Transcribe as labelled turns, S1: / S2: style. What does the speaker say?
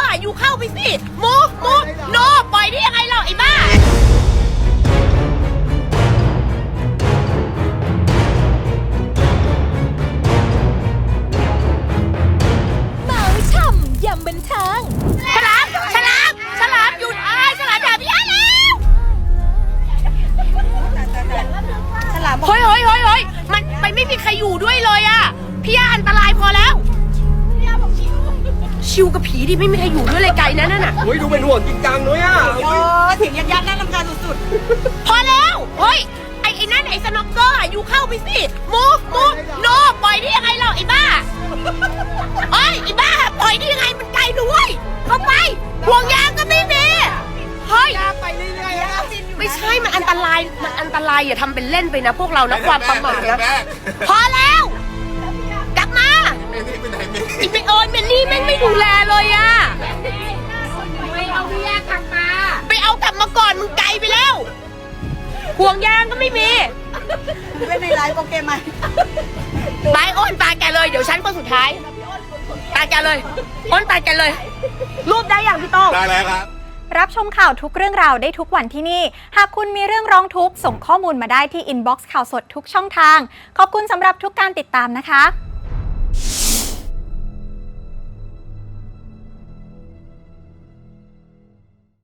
S1: อ่ะอยู่เข้าไปสิมูโนปล่อยได้ยังไงเราไอ้บ้า
S2: เมาช่ำยำบันเทิง
S1: ฉลามหยุดฉลามอย่าพี่อาแล้ว
S3: ฉลาม
S1: เฮ้ยมันไม่มีใครอยู่ด้วยเลยอ่ะพี่อาอันตรายพอแล้วชิวกับผีดิไม่มีใครอยู่ด้วยเลยไกลนั่นน่ะ
S4: เฮ้ยดูเป็นห่วงจริงจังด้วยอ่ะ
S3: โอ้ถึงยักษ์น่ารำคาญสุด
S1: พอแล้วเฮ้ยไอ้นั่นไอ้สน็อกเกอร์อ่ะอยู่เข้าไปสิมูโนปล่อยได้ยังไงเราไอ้บ้าเฮ้ยไอ้บ้าปล่อยได้ยังไงมันไกลด้วยเข้าไปห่วงยางก็ไม่มีเฮ้ย
S3: ๆไปเรื่อยๆนะ
S1: ไม่ใช่มันอันตรายอย่าทำเป็นเล่นไปนะพวกเรานะความประมาทนะพอแล้วกลับมาอีเมโอนเมลลี่แม่งไม่ดูแลเลยอะไปเอาพี่ยากลับมาไปเอากลับมาก่อนมึงไกลไปแล้วห่วงยางก็ไม่มี
S3: เล่นในไลฟ์โปเกมอน
S1: ไปอ้นตาแกเลยเดี๋ยวฉันคนสุดท้ายตาแกเลยอ้นตาแกเลยรูปได้อย่างพี่โต้ง
S4: ได้แล้วครับ
S2: รับชมข่าวทุกเรื่องราวได้ทุกวันที่นี่ หากคุณมีเรื่องร้องทุกข์ส่งข้อมูลมาได้ที่อินบ็อกซ์ข่าวสดทุกช่องทาง ขอบคุณสำหรับทุกการติดตามนะคะ